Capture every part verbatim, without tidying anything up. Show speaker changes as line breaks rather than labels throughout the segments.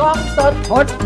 กล้องสด
พดบู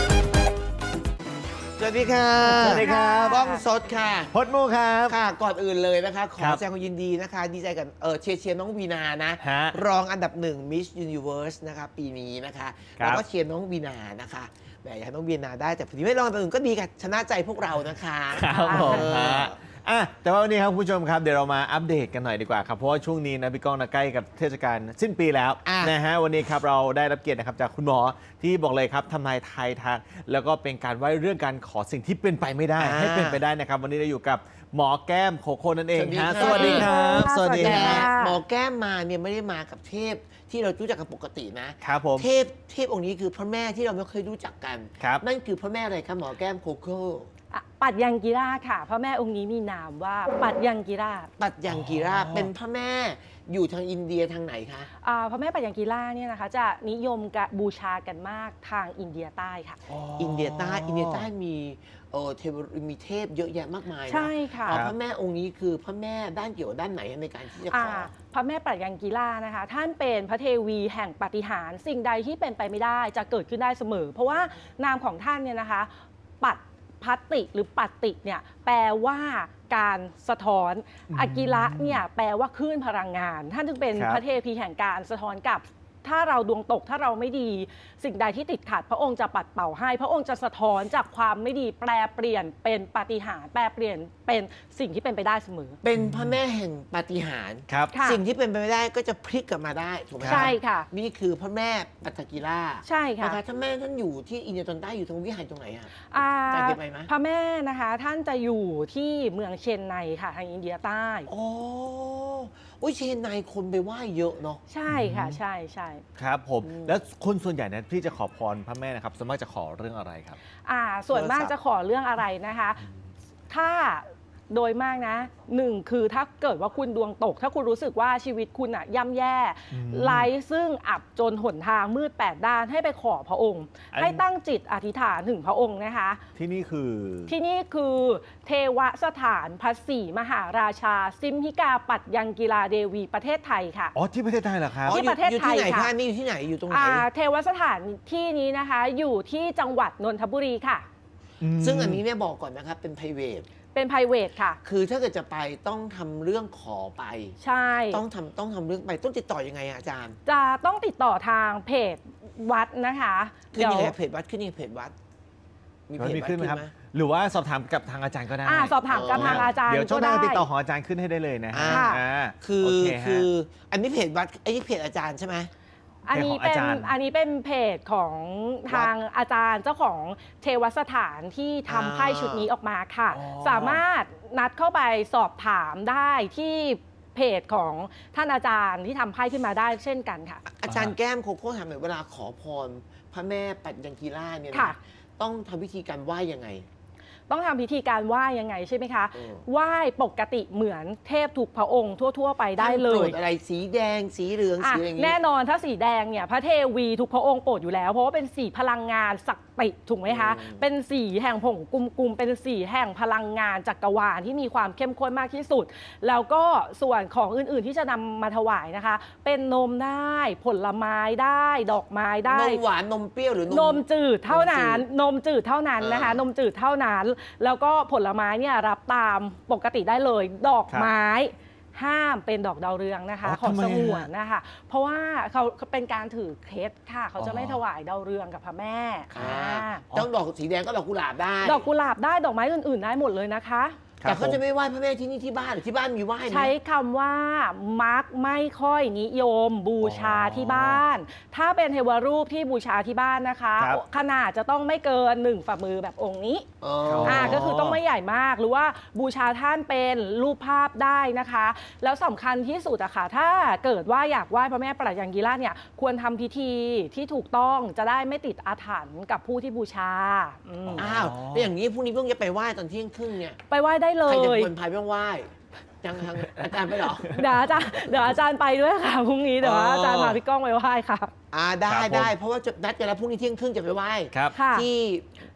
สวัสดีค่ะ
สวัสดีครับ
กล้องสดค่ะ
พดมูครับ
ค่ะก่อนอื่นเลยนะคะขอ
ครับ
แสดงความยินดีนะคะ ดีใจกับเออเชียร์เชียร์น้องวีนานะ
ฮะ
รองอันดับหนึ่ง Miss Universe นะคะปีนี้นะคะ
ครับ
แล้วก็เชียร์น้องวีนานะคะแหมอยากให้น้องวีนาได้แต่พอดีไม่รองอันดับหนึ่งก็ดีค่ะชนะใจพวกเรานะคะ
ครับผม
เออ
ฮะอ่ะแต่ว่าวันนี้ครับคุณผู้ชมครับเดี๋ยวเรามาอัปเดตกันหน่อยดีกว่าครับเพราะว่าช่วงนี้นะพี่ก้องนะใกล้กับเทศกาลสิ้นปีแล้ว
อ่ะ
นะฮะวันนี้ครับเราได้รับเกียรตินะครับจากคุณหมอที่บอกเลยครับทำนายทายทักแล้วก็เป็นการไหว้เรื่องการขอสิ่งที่เป็นไปไม่ได้ ให้เป็นไปได้นะครับ วันนี้เราอยู่กับหมอแก้มโคโค่นั่นเองฮะส
สวั
วัส
สดี
ดีค
ครั
รับ
บ
สวัสดี
แต่
ฮะ
หมอแก้มมาเนี่ยไม่ได้มากับเทพที่เรารู้จักกันปกตินะ
ครับผม
เทพเทพองค์นี้คือพระแม่ที่เราไม่เคยรู้จักกัน
ครับ
นั่นคือพระแม่อะไรครับหมอแก้มโคโค่
อ่ะปัดยังกีราค่ะพระแม่องค์นี้มีนามว่าปัดยังกีรา
ปัตยังกีรา
อ๋อ
เป็นพระแม่อยู่ทางอินเดียทางไหนคะ
อ่าพระแม่ปัดยังกีราเนี่ยนะคะจะนิยมกะบูชากันมากทางอินเดียใต้ค่ะ
อินเดียใต้อินเดียใต้มีเออเทวมีเทพเยอะแยะมากมายนะ
ใช่ค่ะ
อ๋อพระแม่องค์นี้คือพระแม่ด้านเกี่ยวกับด้านไหนในการที่จะข
อ่า
อ
พระแม่ปัดยังกีรานะคะ ท่านเป็นพระเทวีแห่งปาฏิหาริย์สิ่งใดที่เป็นไปไม่ได้จะเกิดขึ้นได้เสมอ เพราะว่านามของท่านเนี่ยนะคะปัดพัตติหรือปัตติเนี่ยแปลว่าการสะท้อนอากิระเนี่ยแปลว่าคลื่นพลังงาน ท่านจึงเป็น
ครับ
พระเทพีแห่งการสะท้อนกลับ ถ้าเราดวงตกถ้าเราไม่ดี สิ่งใดที่ติดขัด พระองค์จะปัดเป่าให้ พระองค์จะสะท้อนจากความไม่ดีแปลเปลี่ยนเป็นปาฏิหาริย์แปลเปลี่ยนเป็นสิ่งที่เป็นไปได้เสมอ
เป็นพระแม่แห่งปาฏิหาริย์
ครับ
ค่ะ
สิ่งที่เป็นไปไม่ได้ก็จะพลิกกลับมาได้ถูกไหม
ใช่ค่ะ
นี่คือพระแม่ปัตตกีรา
ใช่ค่ะ
นะคะท่านแม่ท่านอยู่ที่อินเดียตอนใต้อยู่ตรงวิหารตรงไหนอะ
อ่า
จำได้ไหม
พระแม่นะคะท่านจะอยู่ที่เมืองเชนไนค่ะทางอินเดียใต้
อ๋ออุ้ยเชนไนคนไปไหว้เยอะเนาะ
ใช่ค่ะใช่ใช่
ครับผมแล้วคนส่วนใหญ่นะที่จะขอพรพระแม่นะครับส่วนมากจะขอเรื่องอะไรครับ
อ่าส่วนมาก
โทรศัพท์
จะขอเรื่องอะไรนะคะ ถ้าโดยมากนะหนึ่งคือถ้าเกิดว่าคุณดวงตก ถ้าคุณรู้สึกว่าชีวิตคุณอะย่ำแย่
อืม
ไร้ซึ่งอับจนหนทางมืดแปดด้านให้ไปขอพระองค์
อัน
ให้ตั้งจิตอธิษฐานถึงพระองค์นะคะ
ที่นี่คือ
ที่นี่คือเทวสถานพระศรีมหาราชา ซิมหิกาปัตยังกีฬาเดวีประเทศไทยค่ะ
อ๋อที่ประเทศไทยเหรอครับ
ที่
อ๋ออยู่
ประเทศ
อยู่ที่ไหน
ไทยค่ะ
คะนี่อยู่ที่ไหนอยู่ตรงไหน
อ่าเทวสถานที่นี้นะคะอยู่ที่จังหวัดนนทบุรีค่ะ
ซึ่งอันนี้เนี่ยบอกก่อนนะครับเป็น private
เป็น private ค่ะ
คือถ้าเกิดจะไปต้องทำเรื่องขอไป
ใช่
ต้องทำต้องทำเรื่องไปต้องติดต่อยังไงอะอาจารย์
จะต้องติดต่อทางเพจวัดนะคะ
ขึ้นยังไง
เดี๋ยว
เพจวัดขึ้นยังไงเพจวัด มีเพ
มัน
จ
มี
วัด
ขึ้
ขึ้
น
น
ไหมครับ
ไหม
หรือว่าสอบถามกับทางอาจารย์ก็ได้
อ่าสอบถามกับ
อ๋อ
ทางอาจารย์
เดี๋ยวช่วงห
ก็
น้า
ได้
ติดต่อของอาจารย์ขึ้นให้ได้เลยนะฮะ
ค่ะ
อ่า
คือ
โเคฮะ
คืออันนี้เพจวัดไอ้นี่เพจอาจารย์ใช่ไหม
อันนี้
เพจของ
เป็น
อาจารย์
อันนี้เป็นเพจของทางอาจารย์เจ้าของเทวสถานที่ทำไพ่ชุดนี้ออกมาค่ะ
อ๋อ
สามารถนัดเข้าไปสอบถามได้ที่เพจของท่านอาจารย์ที่ทำไพ่ขึ้นมาได้เช่นกันค่ะ
อาจารย์แก้มโคโค่ถามหน่อยเวลาขอพรพระแม่ปัตยังกีราเนี่ย
ค่ะ
นะต้องทำวิธีการไหว้ยังไง
ต้องทำพิธีการไหว้ยังไงใช่ไหมคะ
เออ
ไหว้ปกติเหมือนเทพถูกพระองค์ทั่ว ๆ ไปได้เล
ท่านโปร
ย
ดอะไรสีแดงสีเหลือง
อ่ะ
สีอะไรอย่างงี้
แน่นอนถ้าสีแดงเนี่ยพระเทวีทุกพระองค์โปรดอยู่แล้ว เพราะว่าเป็นสีพลังงานศักดิ์สิทธิ์ถูกไหมคะ
อืม
เป็นสีแห่งผงกุมกุมเป็นสีแห่งพลังงานจักรวาลที่มีความเข้มข้นมากที่สุด แล้วก็ส่วนของอื่นๆที่จะนำมาถวายนะคะ เป็นนมได้ผลไม้ได้ดอกไม้ได้
นมหวานนมเปรี้ยวหรือน
นมจืดเท่านั้นนมจืดเท่านั้นนะคะ
อ่าน
มจืดเท่านั้น แล้วก็ผลไม้เนี่ยรับตามปกติได้เลย ดอกไม้ห้ามเป็นดอกดาวเรืองนะคะ
อ๋อ
ของ
ทำไม
ส
ฮะ
งวนนะคะ เพราะว่าเขาเป็นการถือเคล็ดค่ะ เขาจะ
อ๋อ
ไม่ถวายดาวเรืองกับพระแม่
อ่า
อ่า
ต้องดอกสีแดงก็ดอกกุหลาบได้
ดอกกุหลาบได้ดอกไม้อื่นๆได้หมดเลยนะคะ
แต่เขาจะไม่ไหว้พระแม่ที่นี่ที่บ้านหรือที่บ้านมีไหว้ไหม
ใช้คำว่ามักไม่ค่อยนิยมบูชาที่บ้าน ถ้าเป็นเทวรูปที่บูชาที่บ้านนะคะ
ครับ
ขนาดจะต้องไม่เกินหนึ่งฝ่ามือแบบองค์นี้
อ๋อ
อ่าก็คือต้องไม่ใหญ่มากหรือว่าบูชาท่านเป็นรูปภาพได้นะคะ แล้วสำคัญที่สุดอะค่ะถ้าเกิดว่าอยากไหว้พระแม่ปรัชยังกีราเนี่ยควรทำพิธีที่ถูกต้องจะได้ไม่ติดอาถรรพ์กับผู้ที่บูชาอืม
อ้าวแล้วอย่างนี้พรุ่งนี้เพิ่งจะไปไหว้ตอนเที่ยงครึ่งเนี่ย
ไปไหว้ได้เล
ใครจะ
ย
คนพายไม่ต้องไหว้ยังทางอาจารย์ไปเหรอ
เดี๋ยวอาจารย์เดี๋ยวอาจารย์ไปด้วยค่ะพรุ่งนี้เดี๋ยว
อ๋ออ
อาจารย์พาพี่ก้องไปไหว้ค่ะ
อ่าได้
ครับผม
ได้เพราะว่าจะนัดกันแล้วพรุ่งนี้เที่ยงครึ่งจะไปไหว้
ครับ
ค่ะ
ที่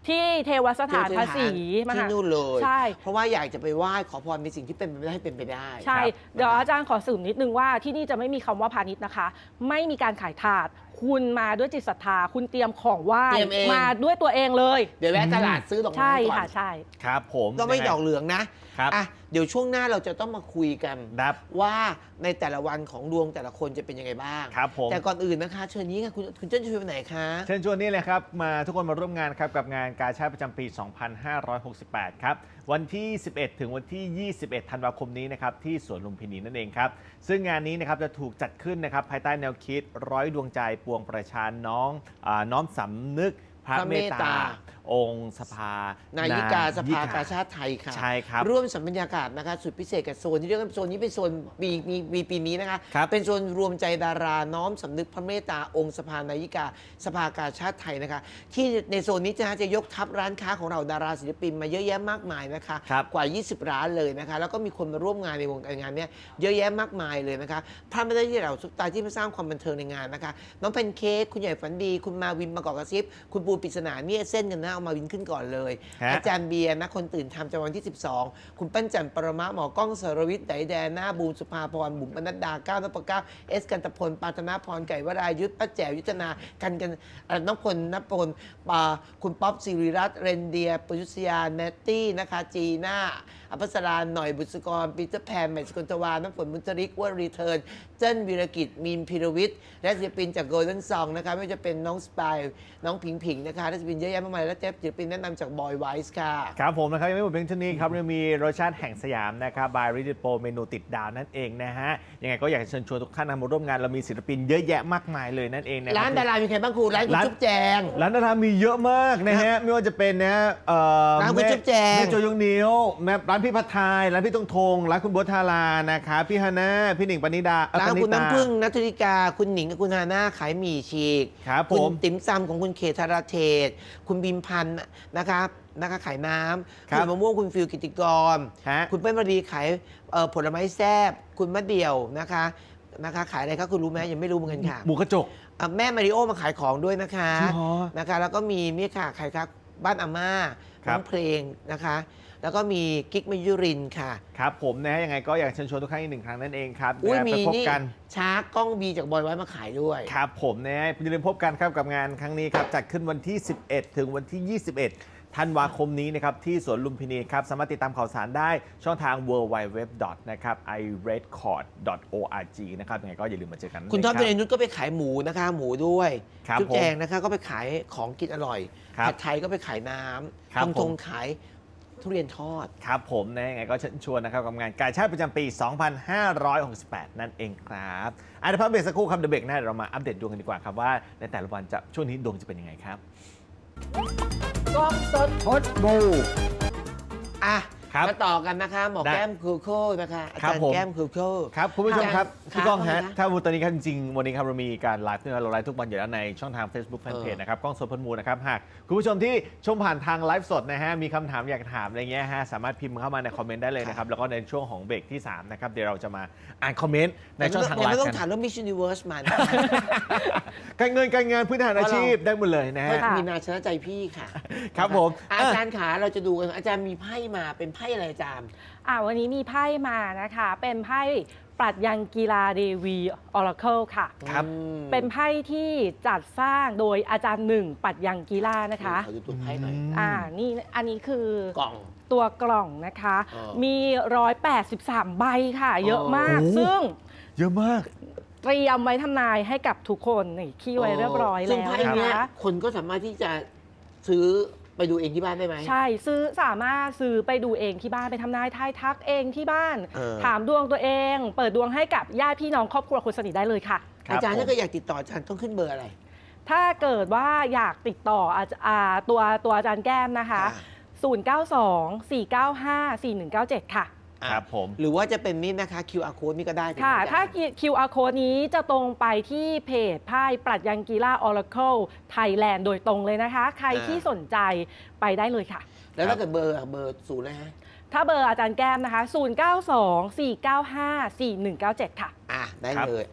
ที่เทวสถานภาษีม
ที่
หา
นู่นเลย
ใช่
เพราะว่าอยากจะไปไหว้ขอพรในสิ่งที่เป็นไปไม่ได้ให้เป็นไปได้
ใช่
ครับ
เดี๋ยวอาจารย์ขอสืบนิดนึงว่าที่นี่จะไม่มีคำว่าพาณิชย์นะคะ ไม่มีการขายถาด คุณมาด้วยจิตศรัทธา คุณเตรียมของไหว้
เตรียมเอง
มาด้วยตัวเองเลย
เดี๋ยวแวะตลาดซื้อดอกไม้
ใช่
ก่อ
ค่ะ
น
ใช่
ครับผม
ต้องไม่
นะฮะ
ดอกเหลืองนะครับ อ่ะเดี๋ยวช่วงหน้าเราจะต้องมาคุยกัน
ครับ
ว่าในแต่ละวันของดวงแต่ละคนจะเป็นยังไงบ้าง
ครับผม
แต่ก่อนอื่นนะคะ เชิญนี้ค่ะคุณคุณเจ้าจะไปไหนคะ
เชิญชวนนี่เลยครับมาทุกคนมาร่วมงานครับกับงานกาชาดประจำปี สองพันห้าร้อยหกสิบแปด ครับวันที่ สิบเอ็ด ถึงวันที่ ยี่สิบเอ็ด ธันวาคมนี้นะครับที่สวนลุมพินีนั่นเองครับซึ่งงานนี้นะครับจะถูกจัดขึ้นนะครับภายใต้แนวคิดร้อยดวงใจปวงประชาน้องอาน้อมสำนึกพระ
พระ
เม
เม
ต
ต
ตา
ตา
องค์สภา
นายิกาสภากาชาติไทยค่ะ
ใช่ครับ
ร่วมสัมบรรยากาศนะคะสุดพิเศษกับโซนที่เรียกว่าโซนนี้เป็นโซนมีมีมีปีนี้นะคะ
ครับ
เป็นโซนรวมใจดาราน้อมสำนึกพระเมตตาองค์สภานายิกาสภากาชาติไทยนะคะ ที่ในโซนนี้จะจะยกทัพร้านค้าของเราดาราศิลปินมาเยอะแยะมากมายนะคะ
ครับ
กว่า ยี่สิบ ร้านเลยนะคะ แล้วก็มีคนมาร่วมงานในวงการงานเนี้ยเยอะแยะมากมายเลยนะคะพลาดไม่ได้ที่เราซุปตาที่มาสร้างความบันเทิงในงานนะคะน้องแพนเค้กคุณใหญ่ฝันดี คุณมาวินมากอกกระซิบคุณปูปริศนาเนี่ยเส้นกันนะเอามาวินขึ้นก่อนเลย
ฮะ
อาจารย์เบียร์นะคนตื่นทำจันทร์วันที่ สิบสอง คุณปั้นจันทร์ปรมะหมอกล้องสรวิทย์ไดแดนหน้าบูมสุภาพรบุ๋มปนัดดาก้าวนพเก้าเอสกันตพลปาธนาพรไก่วรายุทธป้าแจ๋วยุทธนากันกันเอ่อน้องพลนพลปาคุณป๊อปสิริรัตน์เรนเดียปุยุษยาเนตตี้นะคะจีน่าอภัสราหน่อยบุษกรปีเตอร์แพนใหม่สกุลตวาน้ำฝนมุนตริกว่ารีเทิร์นเจิ้นวีรกิจมีนพิรวิทย์และศิลปินจากโกลเด้นซองนะคะไม่ว่าจะเป็นน้องสปายน้องผิงผิงนะคะและศิลปินเยอะแยะมากมายและเจฟศิลปินแนะนำจากบอยไวส์ค่ะ
ครับผมนะครับยังไม่หมดเพียงเท่านี้ครับยังมีรสชาติแห่งสยามนะครับบายริดิโปเมนูติดดาวนั่นเองนะฮะยังไงก็อยากจะเชิญชวนทุกท่านมาร่วมงานเรามีศิลปินเยอะแยะมากมายเลยนั่นเองนะคบ
ร้านดารามีใครบ้างครูร้านคุณ
ร้าน
จุ๊บแจง
ร้านดารามีเยอะมากนะฮะไม่ว่าจะเป็นนะเอ่อ
ร้านคุณ
ม่
จุ๊บแจง
แม่โจยงนิ้วแม่ร้านพี่พัทไทยร้านพี่ตงทงร้านคุณบัวทารานะครับพี่ฮาน่าพี่หนิงปณิดาเอ่อ
ร้าน
ปณิ
คุณ
ตา
น้ำพึ่งนัทธุริกา คุณหนิงกับคุณฮาน่าขายหมี่ฉีก
ครับ
คุณ
ผม
ติ๋มซำของคุณเขตธาราเทศ คุณบิมพันธ์นะครับนะคะขายน้ำ
ครับ
ณมะม่วงคุณฟิลกิติกร
ฮะ
คุณเป้นมารีขายเอ่อผลไม้แซ่บคุณมะเดี่ยวนะคะนะคะขายอะไรครับคุณรู้ไหมยังไม่รู้เหมือนกันค่ะ
หมูกระจก
อ่ะแม่มาริโอมาขายของด้วยนะคะ
จริงเหรอ
นะคะแล้วก็มีนี่ค่ะใครครับบ้านอาม่า
ครั
น้
บ
องเพลงนะคะ แล้วก็มีกิ๊กมยุรินทร์ค่ะ
ครับผมนะฮะยังไงก็อยากเชิญชวนทุกท่านอีกหนึ่งครั้งนั่นเองครับ
อุ้ย
นะ
มี
ไปพบ
นี่
กัน
ช้ากล้องบีจากบอยไว้มาขายด้วย
ครับผมนะฮะอย่าลืมพบกันครับกับงานครั้งนี้ครับจัดขึ้นวันที่ สิบเอ็ด ถึงวันที่ ยี่สิบเอ็ด ธันวาคมนี้นะครับที่สวนลุมพินีครับสามารถติดตามข่าวสารได้ช่องทาง ดับเบิลยู ดับเบิลยู ดับเบิลยู ดอท นะครับ ไอ เรด คอร์ด ดอท โอ อาร์ จี นะครับยังไงก็อย่าลืมมาเจอกัน
คุณท็อป
นะ
เด
รับ
นุชก็ไปขายหมูนะคะ หมูด้วย
ครับ
จุ๊บ
ผม
แจงนะคะก็ไปขายของกินอร่อย
ครับ
ผัดไทยก็ไปขายน้
ครับ
ำทง
ผ
ท
ม
งขายทุเรียนทอด
ครับผมนะยังไงก็เชิญชวนนะครับกับงานกาชาดประจำปี สองพันห้าร้อยหกสิบแปด นั่นเองครับอ่ะเดี๋ยวพักเบรกสักครู่ครับเดี๋ยวเบรกหน้าเดี๋ยวเรามาอัปเดตดวงกันดีกว่าครับว่าในแต่ละวันจะช่วงนี้ดวงจะเป็นยังไงครับ
กล้องสด
พดบู
อ่ะ
ครับ
มาต่อกันนะคะ หมอ
ได้
แก้มคูโค่นะคะอา
ครับ
จารย์
ผม
แก้มคูโค่
ครับคุณผู้ชมครับ
ครับ
พี่ก้องฮะ
ครับ
ถ้าตอนนี้ครับจริงๆวันนี้ครับเรามีการไลฟ์ด้วยนะเราไลฟ์ทุกวันอยู่แล้วในช่องทาง Facebook
เออ
Fanpage นะครับกล้องสดพลมูลนะครับหากคุณผู้ชมที่ชมผ่านทางไลฟ์สดนะฮะมีคำถามอยากถามอะไรเงี้ยฮะสามารถพิมพ์เข้ามาในคอมเมนต์ได้เลยนะครับแล้วก็ในช่วงของเบรกที่สามนะครับเดี๋ยวเราจะมาอ่านคอมเมนต์ในช่องทางไล
ยังไม่
ฟ์
ต้อง
กัน
ถามเรื่อง Miss Universe มัน
การเงินการงานพื้นฐานอาชีพได้หมดเลยนะ
เพราะ
ฮะ
มีนาชนะใจพี่ค่ะ
ครับผม
อ่ะอาจารย์ขาเราจะดูกันอาจารย์มีไพ่มาเป็นไพ่อะไรอาจารย์
อ่าวันนี้มีไพ่มานะคะ เป็นไพ่ปรัชญากีฬาเดวีออราเคิลค่ะ
ครับ
อืม
เป็นไพ่ที่จัดสร้างโดยอาจารย์หนึ่งปรัชญากีฬานะคะ
ขอดูตัวไพ่หน่อย
อ่านี่อันนี้คือก
ล่อง
ตัวกล่องนะคะ
อ๋อ
มี หนึ่งร้อยแปดสิบสาม ใบค่ะ เยอะมาก
โอ้
ซึ่ง
เยอะมาก
เตรียมไว้ทำนายให้กับทุกคนนี่ขี้ไว้เรียบร้อย
ซึ่ง
แล้ว
ไพ่
นะ
เนี้ย
คะ
คนก็สามารถที่จะซื้อไปดูเองที่บ้านได้ไหม
ใช่ซื้อสามารถซื้อไปดูเองที่บ้านไปทำนายทายทักเองที่บ้าน
เออ
ถามดวงตัวเอง เปิดดวงให้กับญาติพี่น้องครอบครัวคนสนิทได้เลยค่ะ
ครับ
อาจารย์
ผม
ถ้าเกิดอยากติดต่ออาจารย์ต้องขึ้นเบอร์อะไร
ถ้าเกิดว่าอยากติดต่ออาจอ่าตัวตัวอาจารย์แก้มนะคะ
ค่ะ
ศูนย์ เก้า สอง สี่ เก้า ห้า สี่ หนึ่ง เก้า เจ็ด ค่ะ
อ่ะ
ครับผม
หรือว่าจะเป็นนี่นะคะ คิว อาร์ code นี่ก็ได้เป็น
ค่ะ
อาจารย์
ถ้า คิว อาร์ code นี้จะตรงไปที่เพจไพ่ปรัชญากีฬา Oracle Thailand โดยตรงเลยนะคะ ใครที่สนใจไปได้เลยค่ะ
แล้วถ้าเกิดเบอร์อ่ะเบอร์ศูนย์เลยฮะ
ถ้าเบอร์อาจารย์แก้มนะคะ ศูนย์ เก้า สอง สี่ เก้า ห้า สี่ หนึ่ง เก้า เจ็ด ค่ะ
อ่ะได้
ครับ
เลยอ่ะ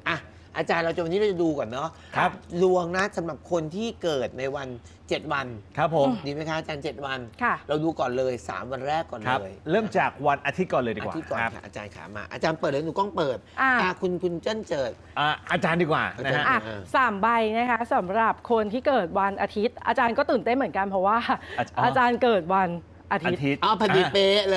อาจารย์เราจะวันนี้เราจะดูก่อนเนาะ
ครับ
ดวงนะสำหรับคนที่เกิดในวันเจ็ดวัน
ครับผม
ดีไหมคะอาจารย์เจ็ดวัน
ค่ะ
เราดูก่อนเลยสามวันแรกก่อน
ครับ
เลย
เริ่มจากวันอาทิตย์ก่อนเลยดีกว่า
อาทิตย์ก่อน
ครับ
ค่ะอาจารย์ขามาอาจารย์เปิดเลยหนูกล้องเปิด
อ่า
อ่าคุณคุณเจิ้นเจิด
อ่ะอาจารย์ดีกว่านะฮะ
อ่ะ
อ่า
สามใบนะคะสำหรับคนที่เกิดวันอาทิตย์ อาจารย์ก็ตื่นเต้นเหมือนกันเพราะว่า
อาจารย์
อาจารย์เกิดวันอา
อา
ทิตย์
ทิตย์
เอาพอดีเป๊ะเลย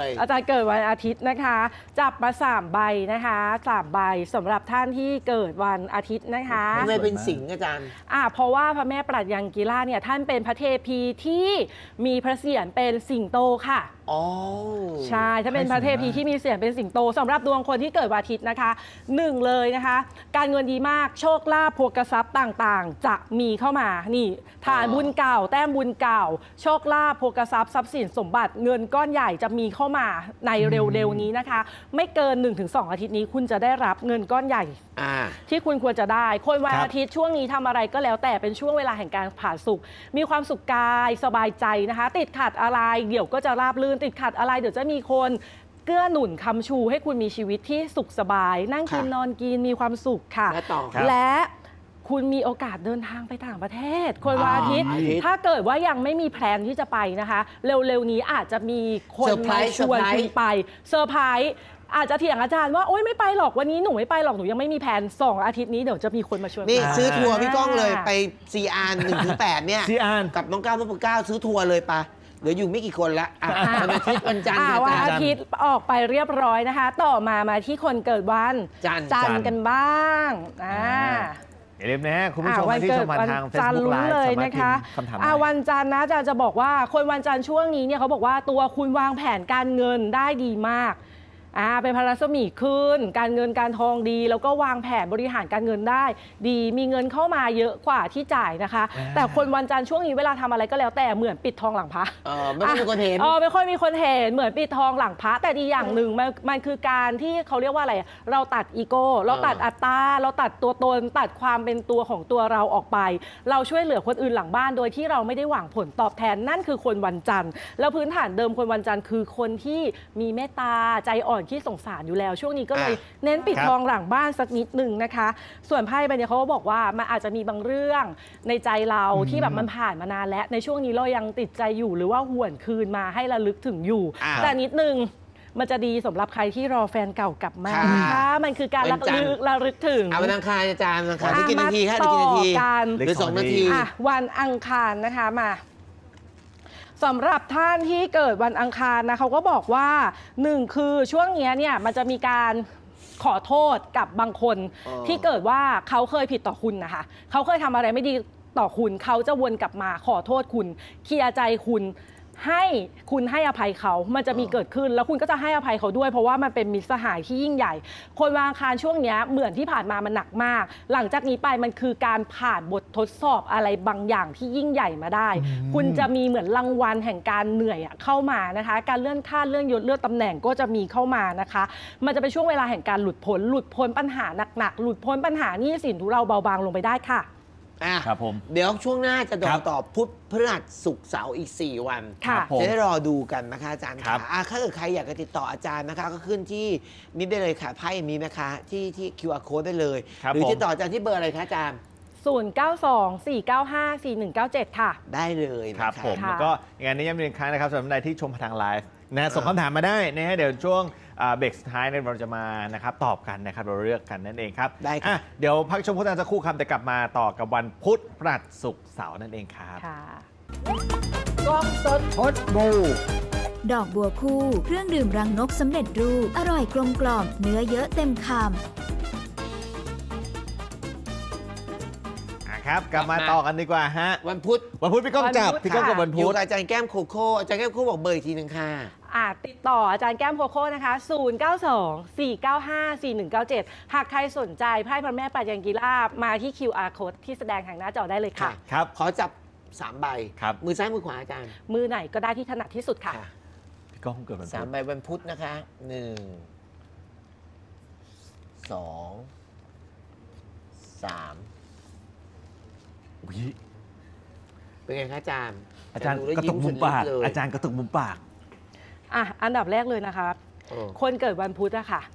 อาจารย์เกิดวันอาทิตย์นะคะ จับมาสามใบนะคะสามใบสำหรับท่านที่เกิดวันอาทิตย์นะคะ
ทำไมเป็นสิงห์อาจารย์
อ่าเพราะว่าพระแม่ปรัชยังกีฬาเนี่ยท่านเป็นพระเทพีที่มีพระเศียรเป็นสิงโตค่ะ
อ๋อ
ใช่ถ้าเป็นพระเทพีที่มีเสียงเป็นสิงโตสำหรับดวงคนที่เกิดวันอาทิตย์นะคะหนึ่งเลยนะคะ การเงินดีมากโชคลาภพวกทรัพย์ต่างๆ จะมีเข้ามานี่ฐานบุญเก่า แต้มบุญเก่า โชคลาภพวกทรัพย์ทรัพย์สินสมบัติเงินก้อนใหญ่จะมีเข้ามาในเร็วๆนี้นะคะ ไม่เกิน หนึ่งถึงสอง อาทิตย์นี้คุณจะได้รับเงินก้อนใหญ่
อ่า
ที่คุณควรจะได้ คนวัน
ครับ
อาทิตย์ช่วงนี้ทำอะไรก็แล้วแต่เป็นช่วงเวลาแห่งการผ่าสุข มีความสุขกายสบายใจนะคะ ติดขัดอะไรเดี๋ยวก็จะราบรื่นติดขัดอะไรเดี๋ยวจะมีคนเกื้อหนุนคำชูให้คุณมีชีวิตที่สุขสบาย นั่งกิน
ค่ะ
นอนกินมีความสุขค่ะ
และต่อครับ
และคุณมีโอกาสเดินทางไปต่างประเทศ คนวันอาทิตย์
อาทิตย์
ถ้าเกิดว่ายังไม่มีแพลนที่จะไปนะคะ เร็วๆนี้อาจจะมีคน
เซอร์ไพร
มา
ส์
ชวน
เซอร์ไพรส์
คุณไปเซอร์ไพรส์อาจจะเถียงอาจารย์ว่าโอ๊ยไม่ไปหรอกวันนี้หนูไม่ไปหรอกหนูยังไม่มีแผนสองอาทิตย์นี้เดี๋ยวจะมีคนมาชวน
นี่
ไป
ซื้อทัวร์พี่ก้องเลย
อ่า
ไปซีอาร์หนึ่งถึงแปดเนี่ย
ซีอาร์
กับน้องก้าวน้องเก้าซื้อทัวร์เลยปะเหลืออยู่ไม่กี่คนละอ่ะ
อ่า
วันอาทิตย์วันจันทร์
อ่า
ค่ะ
วัน
อา
อา
จารย์
ทิตย์ออกไปเรียบร้อยนะคะ ต่อมามาที่คนเกิดวัน
จันทร์
จันท
จันทร์
ร์กันบ้างอ่า
อย่าลืมนะฮะคุณผู้ชม
อ่า
ที่ชมมาทาง
จันท
Facebook
ร์ลุ้น
Live
เลย
สามารถ
นะคะ
พิมพ์คำถาม
อ่า
ได้
วันจันทร์นะอาจารย์จะบอกว่าคนวันจันทร์ช่วงนี้เนี่ยเขาบอกว่าตัวคุณวางแผนการเงินได้ดีมากอ่าเป็นพระรัศมีขึ้น การเงินการทองดี แล้วก็วางแผนบริหารการเงินได้ ดีมีเงินเข้ามาเยอะกว่าที่จ่ายนะคะ
อ่า
แต่คนวันจันทร์ช่วงนี้เวลาทำอะไรก็แล้วแต่เหมือนปิดทองหลังพระ
เออไม่ค่อยมีคนเห็น
เออไม่ค่อยมีคนเห็นเหมือนปิดทองหลังพระแต่ดีอย่างหนึ่งมันมันคือการที่เขาเรียกว่าอะไรเราตัดอีโก้เราตัดอัตตาเราตัดตัวตน ตัดความเป็นตัวของตัวเราออกไป เราช่วยเหลือคนอื่นหลังบ้านโดยที่เราไม่ได้หวังผลตอบแทนนั่นคือคนวันจันทร์แล้วพื้นฐานเดิมคนวันจันทร์คือคนที่มีเมตตาใจอ่อนที่สงสารอยู่แล้วช่วงนี้ก็เลย
อ่ะ
เน้นปิด
ครับ
ทองหลังบ้านสักนิดหนึ่งนะคะ ส่วนไพ่ใบเนี้ยเขาก็บอกว่ามันอาจจะมีบางเรื่องในใจเราที่แบบมันผ่านมานานแล้วในช่วงนี้เรายังติดใจอยู่หรือว่าหวนคืนมาให้ระลึกถึงอยู่
อ่ะ
แต่นิดนึงมันจะดีสำหรับใครที่รอแฟนเก่ากลับมา
ค่ะ
นะคะมันคือการระ
วันจันทร์
ลึกระลึกถึง
เอาวันอังคารอาจารย์วันอังคาร
อ่ะ
ที่กี่นาทีคะ
มา
ที่กี่นาที
ต่อกัน
หรือสองนาที
อ่ะวันอังคารนะคะมาสำหรับท่านที่เกิดวันอังคารนะเขาก็บอกว่าหนึ่งคือช่วงเนี้ยเนี่ยมันจะมีการขอโทษกับบางคน
อ๋อ
ที่เกิดว่าเขาเคยผิดต่อคุณนะคะเขาเคยทำอะไรไม่ดีต่อคุณเขาจะวนกลับมาขอโทษคุณเคลียร์ใจคุณให้คุณให้อภัยเขามันจะมีเกิดขึ้น แล้วคุณก็จะให้อภัยเขาด้วย เพราะว่ามันเป็นมิตรสหายที่ยิ่งใหญ่ คนวันอังคารช่วงเนี้ยเหมือนที่ผ่านมามันหนักมาก หลังจากนี้ไปมันคือการผ่านบททดสอบอะไรบางอย่างที่ยิ่งใหญ่มาได้ คุณจะมีเหมือนรางวัลแห่งการเหนื่อยอะเข้ามานะคะ การเลื่อนขั้นเลื่อนยศเลื่อนตำแหน่งก็จะมีเข้ามานะคะ มันจะเป็นช่วงเวลาแห่งการหลุดพ้นหลุดพ้นปัญหาหนักๆหลุดพ้นปัญหาหนี้สินทุเราเบาบางลงไปได้ค่ะ
อ่ะ
ครับผม
เดี๋ยวช่วงหน้าจะดอ
ครั
ก
บ
ต่อพุธพฤหัสศุกร์เสาร์อีก สี่ วัน
ค่ะ
ครับผม
จะได้รอดูกันนะคะอาจารย์
ครั
ค่ะ
บ
อ่ะถ้าเกิดใครอยากจะติดต่ออาจารย์นะคะ ก็ขึ้นที่นิดได้เลยค่ะไพ่มีนะคะ ที่ที่ คิว อาร์ code ได้เลย
ครับ
หรือ
ผม
ติดต่ออาจารย์ที่เบอร์อะไรคะอาจารย์
ศูนย์ เก้า สอง สี่ เก้า ห้า สี่ หนึ่ง เก้า เจ็ด ค่ะ
ได้เลยนะ
ค
คะ
รับผม
ค่ะ
แล้วก็งานนี้ย้ำอีกครั้งนะครับสำหรับใดที่ชมผ่านทางไลฟ์นะส่งคำถามมาได้นะฮะเดี๋ยวช่วงอ่าเบรกสุดท้ายเนี่ยเราจะมานะครับตอบกันนะครับเราเลือกกันนั่นเองครับ
ได้ครับ
อ่ะเดี๋ยวพักชมโฆษณาสักครู่ครับแต่กลับมาต่อกับวันพุธพฤหัสศุกร์เสาร์นั่นเองครับ
ค่ะ
กล้องสดพดบู
ดอกบัวคู่ เครื่องดื่มรังนกสำเร็จรูป อร่อยกลมกล่อม เนื้อเยอะเต็มคำ
อ่ะครับกลับมาต่อกันดีกว่าฮะ
วันพุธ
วันพุธพี่ก้องจับ
วันพุธ
พี่ก้องกับ
ค่ะ
วัน
อ
พุ
ยู่
ธ
กับอาจารย์แก้มโคโค่อาจารย์แก้มโคโค่บอกเบอร์อีกทีหนึ่งค่ะ
อ่าติดต่ออาจารย์แก้มโคโค่นะคะ ศูนย์ เก้า สอง สี่ เก้า ห้า สี่ หนึ่ง เก้า เจ็ด หากใครสนใจไพ่พระแม่ปัจจังกีฬามาที่ คิว อาร์ code ที่แสดงทางหน้าจอได้เลยค่ะ
ครับ
ขอจับสามใบ
ครับ
มือซ้ายมือขวาอาจารย์
มือไหนก็ได้ที่ถนัดที่สุดค่ะ
ค่ะ
พี่ก้องเกิดวัน
สา
พุ
ม
ธ
ใบวันพุธนะคะหนึ่งสองสาม
อุ๊ย
เป็นไงคะอาจารย์
อาจารย์
ดูแล้ว
กระตุกมุมปาก
ยิ้สุดฤทธิ์เลย
อาจารย์กระตุกมุมปาก
อ่ะ อันดับแรกเลยนะคะ
เออ
คนเกิดวันพุธอะค่ะ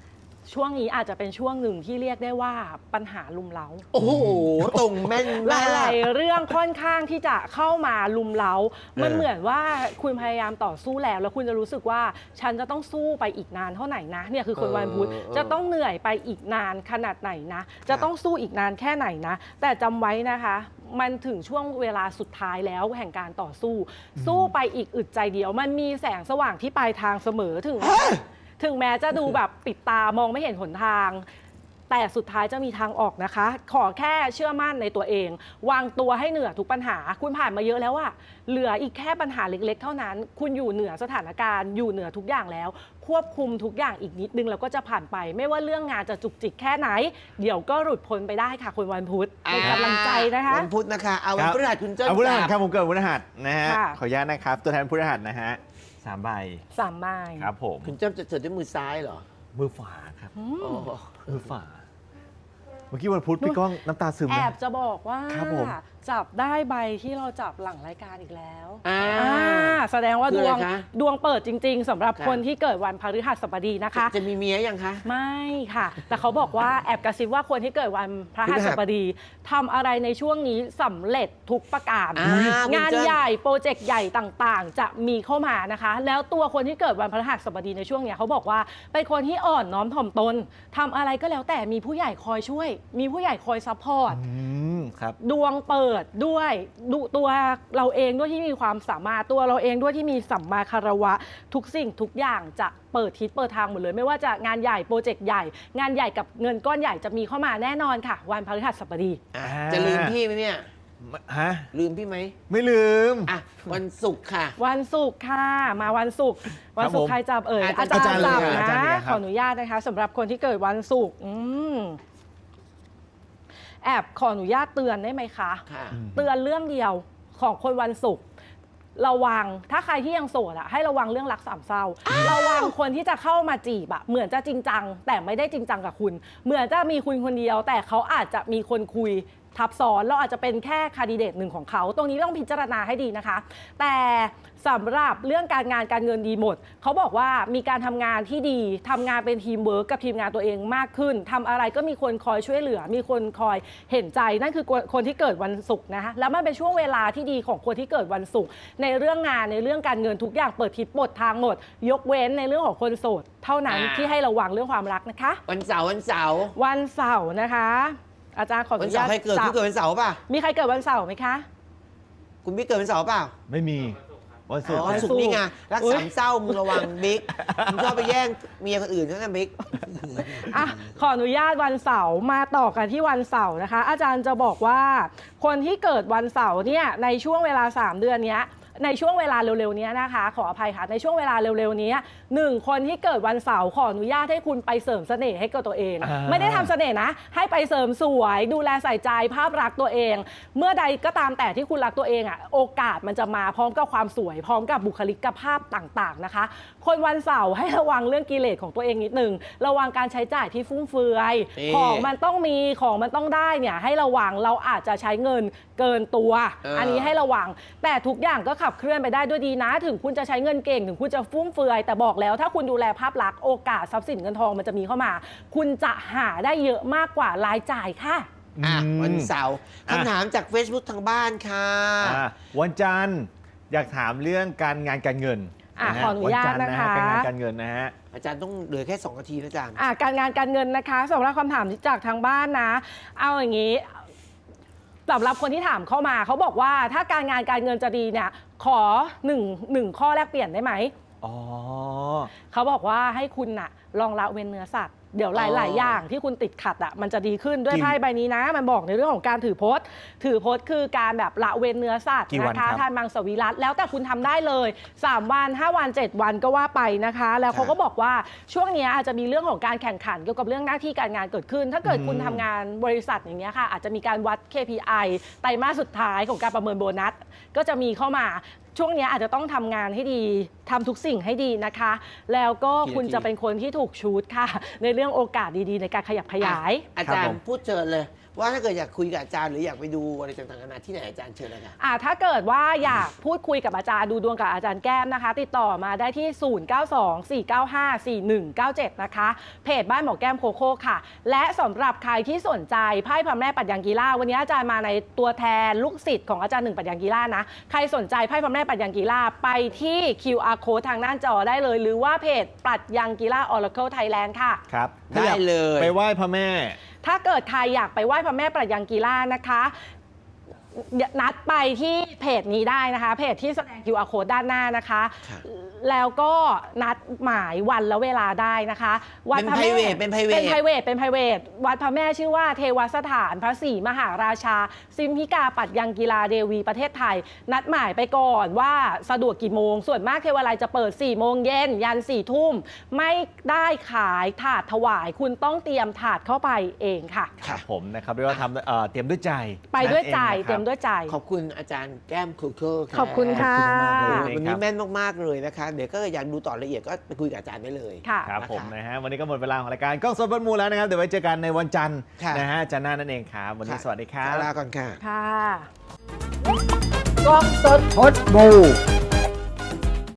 ช่วงนี้อาจจะเป็นช่วงหนึ่งที่เรียกได้ว่าปัญหาลุมเล้า
โอ้โหตรงแม่น
ห
มาก
ลายๆเรื่องค่อนข้างที่จะเข้ามาลุมเล้า มันเหมือนว่าคุณพยายามต่อสู้แล้วแล้วคุณจะรู้สึกว่าฉันจะต้องสู้ไปอีกนานเท่าไหร่นะเนี่ยคือคนวันพุธจะต้องเหนื่อยไปอีกนานขนาดไหนนะจะต้องสู้อีกนานแค่ไหนนะแต่จำไว้นะคะมันถึงช่วงเวลาสุดท้ายแล้วแห่งการต่อสู้ สู้ไปอีกอึดใจเดียวมันมีแสงสว่างที่ปลายทางเสมอถึง ถึงแม้จะดูแบบปิดตามองไม่เห็นหนทาง แต่สุดท้ายจะมีทางออกนะคะ ขอแค่เชื่อมั่นในตัวเอง วางตัวให้เหนือทุกปัญหา คุณผ่านมาเยอะแล้วอะเหลืออีกแค่ปัญหาเล็กๆ เท่านั้น คุณอยู่เหนือสถานการณ์อยู่เหนือทุกอย่างแล้ว ควบคุมทุกอย่างอีกนิดนึงแล้วก็จะผ่านไป ไม่ว่าเรื่องงานจะจุกจิกแค่ไหน เดี๋ยวก็หลุดพ้นไปได้ค่ะคุณวันพุธเป็นกำลังใจนะคะ
วันพุธนะคะเอาวันพฤหัสคุณเจ้า
เอาพฤหัส
จับ
ครับผมเกิดวันพฤหัสนะฮะ
ค่ะ
ขออนุญาตนะครับ ตัวแทนพฤหัสนะฮะสามใบ
สามไม้
ครับผม
คุณเจ้าจะเจอด้วยมือซ้ายเหรอ
มือฝาครับ
อื
โอ้
ม
มือฝา เมื่อกี้วันพุธพี่ก้องน้ำตาซึม
แอ
นะ
บจะบอกว่า
ครับผม
จับได้ใบที่เราจับหลังรายการอีกแล้ว
อ่า
อ่าแสดงว่า
คือ
ด
อะไร
วง
คะ
ดวงเปิดจริง ๆสำหรับ
ค่ะ
คนที่เกิดวันพฤหัสบดีนะคะ
จะมีเมียยังคะ
ไม่ค่ะ แต่เขาบอกว่าแอบกระซิบว่าคนที่เกิดวันพระหัสบดีทำอะไรในช่วงนี้สำเร็จทุกประการ
อ่าคุณ
งาน
เจิ้น
ใหญ่โปรเจกต์ใหญ่ต่างๆ จะมีเข้ามานะคะ แล้วตัวคนที่เกิดวันพฤหัสบดีในช่วงเนี้ยเขาบอกว่าเป็นคนที่อ่อนน้อมถ่อมตนทำอะไรก็แล้วแต่มีผู้ใหญ่คอยช่วย มีผู้ใหญ่คอยซัพพอร์ต
อืมครับ
ดวงเปิดด้วยดูตัวเราเองด้วยที่มีความสามารถตัวเราเองด้วยที่มีสัมมาคารวะ ทุกสิ่งทุกอย่างจะเปิดทิศเปิดทางหมดเลย ไม่ว่าจะงานใหญ่โปรเจกต์ใหญ่ งานใหญ่กับเงินก้อนใหญ่จะมีเข้ามาแน่นอนค่ะ วันพฤหัสบดี
อ่ะ
อ่า
จะลืมพี่ไหมเนี่ย
ฮะ
ลืมพี่ไหม
ไม่ลืม
อ่ะวันศุกร์ค่ะ
วันศุกร์ค่ะ มาวันศุกร์วันศุก
ผม
ร์ใครจับเอ่ย
อา
อา
จา
จาร ร
ย์
ย์จับ
อาจารย์
นะ
เนี่ยครับ
ขออนุญาตนะคะสำหรับคนที่เกิดวันศุกร์อืมแอบขออนุญาตเตือนได้ไหมคะ
ค่ะ
เตือนเรื่องเดียวของคนวันศุกร์ระวังถ้าใครที่ยังโสดอะให้ระวังเรื่องรักสามเศร้า ระวังคนที่จะเข้ามาจีบอะเหมือนจะจริงจัง แต่ไม่ได้จริงจังกับคุณ เหมือนจะมีคุณคนเดียว แต่เขาอาจจะมีคนคุยทับซ้อนเราอาจจะเป็นแค่คาดิเดตหนึ่งของเขา ตรงนี้ต้องพิจารณาให้ดีนะคะ แต่สำหรับเรื่องการงานการเงินดีหมด เขาบอกว่ามีการทำงานที่ดีทำงานเป็นทีมเวิร์กกับทีมงานตัวเองมากขึ้นทำอะไรก็มีคนคอยช่วยเหลือ มีคนคอยเห็นใจนั่นคือคนที่เกิดวันศุกร์นะคะแล้วมันเป็นช่วงเวลาที่ดีของคนที่เกิดวันศุกร์ในเรื่องงานในเรื่องการเงินทุกอย่างเปิดทิศเปิดทางหมด ยกเว้นในเรื่องของคนโสดเท่านั้น
อ่า
ที่ให้ระวังเรื่องความรักนะคะ
วันเสาร์วันเสาร์
วันเสาร์นะคะ อาจารย์ขออ
วัน
นุ
เสา
ญา
ร์
ต
ใครเกิด
จับ
คุณเกิดวันเสาร์ป่ะ
มีใครเกิดวันเสาร์ไหมคะ
คุณพี่เกิดวันเสาร์เปล่า
ไม่มี วันศุก
อ๋
ร์
อวันศุกร์นี่ไงรัก
อุ๊ย
สามเศร้ามึงระวังบิ๊กมึงชอบไปแย่งเมียคนอื่นเท่านั้นบิ๊ก
อ่ะขออนุญาตวันเสาร์มาต่อกันที่วันเสาร์นะคะ อาจารย์จะบอกว่าคนที่เกิดวันเสาร์เนี่ยในช่วงเวลาสามเดือนเนี้ยในช่วงเวลาเร็วๆนี้นะคะ ขออภัยค่ะในช่วงเวลาเร็วๆนี้หนึ่งคนที่เกิดวันเสาร์ขออนุญาตให้คุณไปเสริมเสน่ห์ให้กับตัวเอง
อ่า
ไม่ได้ทำเสน่ห์นะ ให้ไปเสริมสวยดูแลใส่ใจภาพลักษณ์ตัวเอง เมื่อใดก็ตามแต่ที่คุณรักตัวเองอ่ะโอกาสมันจะมาพร้อมกับความสวย พร้อมกับบุคลิกภาพต่างๆนะคะ คนวันเสาร์ให้ระวังเรื่องกิเลสของตัวเองนิดนึงระวังการใช้จ่ายที่ฟุ่มเฟือย
นี่
ของมันต้องมีของมันต้องได้เนี่ยให้ระวังเราอาจจะใช้เงินเกินตัว
เอออั
อันนี้ให้ระวัง แต่ทุกอย่างก็ขับเคลื่อนไปได้ด้วยดีนะ ถึงคุณจะใช้เงินเก่งถึงคุณจะฟุ่มเฟือย แต่บอกแล้วถ้าคุณดูแลภาพลักษณ์โอกาสทรัพย์สินเงินทองมันจะมีเข้ามา คุณจะหาได้เยอะมากกว่ารายจ่ายค่ะ
อ่ะ
อืม
วันเสาร์
อ่ะ
คำถามจาก Facebook ทางบ้านค่ะ
อ่ะวันจันทร์อยากถามเรื่องการงานการเงิน
อ่ะ
ะฮะ
ขออนุญาต
วัจันทร์
นะคะ
การงานการเงินนะฮะ
อาจารย์ต้องเหลือแค่ สอง นาทีนะอาจารย์
อ่ะการงานการเงินนะคะสำหรับคำถามจากทางบ้านนะ เอาอย่างนี้สำหรับคนที่ถามเข้ามาเขาบอกว่าถ้าการงานการเงินจะดีเนี่ยขอหนึ่งหนึ่งข้อแลกเปลี่ยนได้ไหม
อ๋อ
เขาบอกว่าให้คุณน่ะลองละเว้นเนื้อสัตว์เดี๋ยวหลาย ๆ อย่างที่คุณติดขัดอ่ะมันจะดีขึ้นด้วย
กี่
ไพ่ใบนี้นะ มันบอกในเรื่องของการถือพจน์ ถือพจน์คือการแบบละเว้นเนื้อสัตว์
กี่วัน
นะคะ
ครับ
ทานมังสวิรัตแล้วแต่คุณทำได้เลยสามวันห้าวันเจ็ดวันก็ว่าไปนะคะ แล้วเขาก็บอกว่าช่วงเนี้ยอาจจะมีเรื่องของการแข่งขันเกี่ยวกับเรื่องหน้าที่การงานเกิดขึ้น ถ้าเกิดคุณทำงานบริษัทอย่างเงี้ยค่ะอาจจะมีการวัด เค พี ไอ ไตรมาสสุดท้ายของการประเมินโบนัสก็จะมีเข้ามาช่วงเนี้ยอาจจะต้องทำงานให้ดีทำทุกสิ่งให้ดีนะคะ แล้วก็คุณจะเป็นคนที่ถูกชูดค่ะ ในเรื่องโอกาสดีๆ ในการขยับขยาย
อาจาร
ครับผ
ย์
ม
พูดเชิญเลยว่าถ้าเกิดอยากคุยกับอาจารย์หรืออยากไปดูอะไรต่างๆนานาที่ไหนอาจารย์เชิญเลยค่ะ
อ่าถ้าเกิดว่าอยากพูดคุยกับอาจารย์ดูดวงกับอาจารย์แก้มนะคะ ติดต่อมาได้ที่ ศูนย์ เก้า สอง สี่ เก้า ห้า สี่ หนึ่ง เก้า เจ็ด นะคะ เพจบ้านหมอแก้มโคโค่ค่ะ และสำหรับใครที่สนใจไพ่พระแม่ปัดยังกีฬาวันนี้อาจารย์มาในตัวแทนลูกศิษย์ของอาจารย์หนึ่งปัดยังกีฬานะใครสนใจไพ่พระแม่ปัดยังกีฬาไปที่ คิว อาร์ Code ทางหน้าจอได้เลย หรือว่าเพจปัดยังกีฬา Oracle Thailand ค่ะ
ครับถ้า
ได้
อยาก
เลย
ไปไหว้พระแม่
ถ้าเกิดใครอยากไปไหว้พระแม่ปัดยังกีฬานะคะนัดไปที่เพจนี้ได้นะคะเพจที่แสดง คิว อาร์ Code ด้านหน้านะคะ
ครับ
แล้วก็นัดหมายวันและเวลาได้นะคะวัดพระแม่
เป็น private เป็น private
เป็น private เป็น private วัดพระแม่ชื่อว่าเทวสถานพระศรีมหาราชาซิมพิกาปัดยังกีฬาเดวีประเทศไทย นัดหมายไปก่อนว่าสะดวกกี่โมง ส่วนมากเทวาลัยจะเปิดสี่โมงเย็นยันสี่ทุ่มไม่ได้ขายถาดถวาย คุณต้องเตรียมถาดเข้าไปเองค่ะ
ครับผมนะครับเรียกว่าทำเอ่อเตรียมด้วยใจ
ไปด้วยใจ
นั่นองนะครับ
เตรียมด้วยใจ
ขอบคุณอาจารย์แก้มครูเคิล
ขอบคุณค่ะ
ขอบคุณมากๆเลย
วันนี้แม่นมากๆเลยนะคะ เดี๋ยวก็อยากดูต่อละเอียดก็ไปคุยกับอาจารย์ได้เลย
ค่ะ
ครับ
นะคะ
ผมนะฮะวันนี้ก็หมดเวลาของรายการกล้องสดบนมูแล้วนะครับเดี๋ยวไว้เจอกันในวันจันทร์
ค่ะ
นะฮะจันทร์หน้านั่นเองครับวันนี้
ค่ะ
สวัสดีครับ
ลาก่อนค่ะ
ค่ะ
กล้องสดพดบู